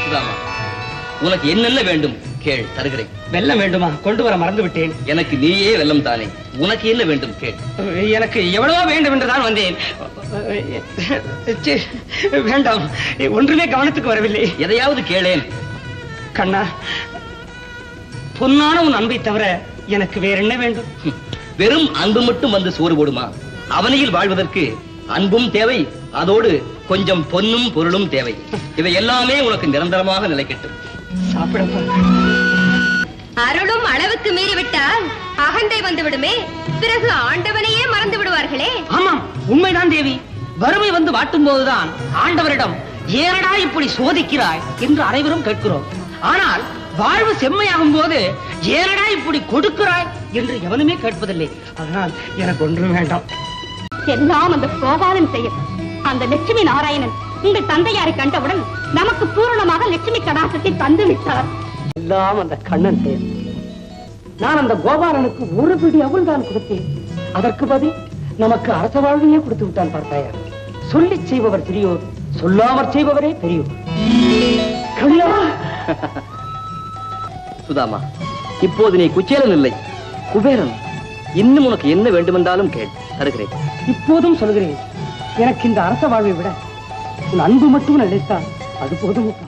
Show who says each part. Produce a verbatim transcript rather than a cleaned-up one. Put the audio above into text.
Speaker 1: சுதாமா, உனக்கு என்னென்ன வேண்டும் கேள், தருகிறேன்.
Speaker 2: வெல்லம் வேண்டுமா? கொண்டு வர மறந்து விட்டேன்.
Speaker 1: எனக்கு நீயே வெல்லம் தானே, உனக்கு என்ன வேண்டும் கேள்.
Speaker 2: எனக்கு எவ்வளவோ வேண்டும் என்றுதான் வந்தேன். வேண்டாம், ஒன்றுமே கவனத்துக்கு வரவில்லை.
Speaker 1: எதையாவது கேளேன்.
Speaker 2: கண்ணா, பொன்னான உன் அன்பை தவிர எனக்கு வேற என்ன வேண்டும்?
Speaker 1: வெறும் அன்பு மட்டும் வந்து சோறு போடுமா? அவனியில் வாழ்வதற்கு அன்பும் தேவை, அதோடு கொஞ்சம் பொன்னும் பொருளும் தேவை. இவை எல்லாமே உனக்கு நிரந்தரமாக நிலைக்கட்டும்.
Speaker 2: சாப்பிடப்பா.
Speaker 3: அருளும் அளவுக்கு மீறிவிட்டால் அகந்தை வந்து விடுமே, பிறகு ஆண்டவனையே மறந்து விடுவார்களே.
Speaker 2: ஆமாம், உண்மைதான் தேவி. வறுமை வந்து வாட்டும் போதுதான் ஆண்டவரிடம் ஏனடா இப்படி சோதிக்கிறாய் என்று அனைவரும் கேட்கிறோம். ஆனால் வாழ்வு செம்மையாகும் போது ஏனடா இப்படி கொடுக்கிறாய் என்று எவனுமே கேட்பதில்லை. அதனால் எனக்கு ஒன்றும் வேண்டாம்.
Speaker 3: எல்லாம் அந்த கோபாலன் செய்யும். அந்த லட்சுமி நாராயணன் உங்கள் தந்தையாரை கண்டவுடன் நமக்கு பூரணமாக லட்சுமி கடாசத்தை தந்து விட்டார்.
Speaker 2: எல்லாம் அந்த கண்ணன் செயல். நான் அந்த கோபாலனுக்கு ஒரு பிடி அவள் தான் கொடுத்தேன். அதற்கு பதில் நமக்கு அரச வாழ்வையே கொடுத்து விட்டான். பார்த்தாயா, சொல்லி செய்பவர் பெரியோர், சொல்லாமற் செய்பவரே பெரியோர்.
Speaker 1: சுதாமா, இப்போது நீ குச்சேலன் இல்லை, குபேரன். இன்னும் உனக்கு என்ன வேண்டுமென்றாலும் கேள், தருகிறேன்.
Speaker 2: இப்போதும் சொல்கிறேன், எனக்கு இந்த அரச வாழ்வை விட உன் அன்பு மட்டும் நினைத்தால் அது போதும்.